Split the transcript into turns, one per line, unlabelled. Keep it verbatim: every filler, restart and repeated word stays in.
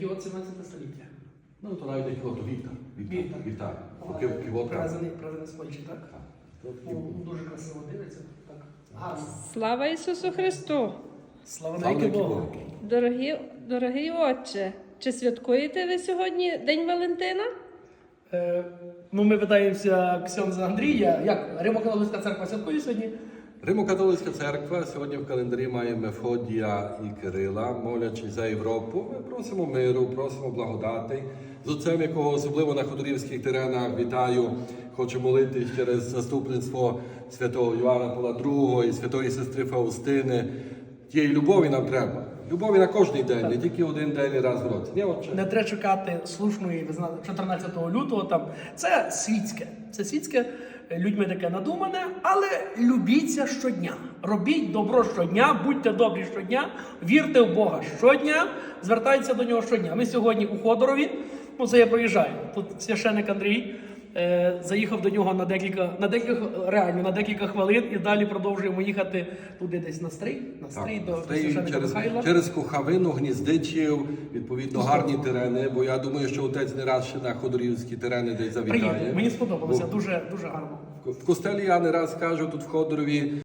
От сімнадцяте століття.
Ну, то навіть як от Віктор.
Віктор.
Віктор.
Ага.
Кив- Кивота.
Привезений, привезений з Польщі, так?
Так. Тут
Ну, дуже красиво дивиться. Так. Гарно.
Слава Ісусу Христу!
Слава
Слава
навіки
навіки
Богу.
Богу.
Дорогі, дорогий отче, чи святкуєте ви сьогодні День Валентина?
Е, ну, ми питаємося Ксьонза Андрія, як Римо-католицька церква святкує сьогодні?
Римо-католицька церква сьогодні в календарі має Мефодія і Кирила, молячись за Європу. Ми просимо миру, просимо благодати. З отцем, якого особливо на ходорівських теренах вітаю, хочу молитись через заступництво святого Йоанна Павла другого і святої сестри Фаустини. Тієї любові нам треба. Любові на кожний день, не тільки один день і раз в році. Ні, отче?
Не треба чекати слушної, ви знаєте, чотирнадцятого лютого там. Це світське. Це світське, е, людьми таке надумане, але любіться щодня. Робіть добро щодня, будьте добрі щодня, вірте в Бога щодня, звертайтеся до нього щодня. Ми сьогодні у Ходорові, ну це я проїжджаю. Тут священик Андрій е, заїхав до нього на декілька, на декілька, реально на декілька хвилин і далі продовжуємо їхати туди десь на стрий, на стрий
Так,
до, до
Стрий
священика
через,
Михайла.
через Кухавину, Гніздичів, відповідно, гарні терени, бо я думаю, що отець не раз ще на ходорівські терени десь завітає.
Приїду. Мені сподобалося,
Бо
дуже, дуже гарно.
В костелі я не раз кажу тут в Ходорові,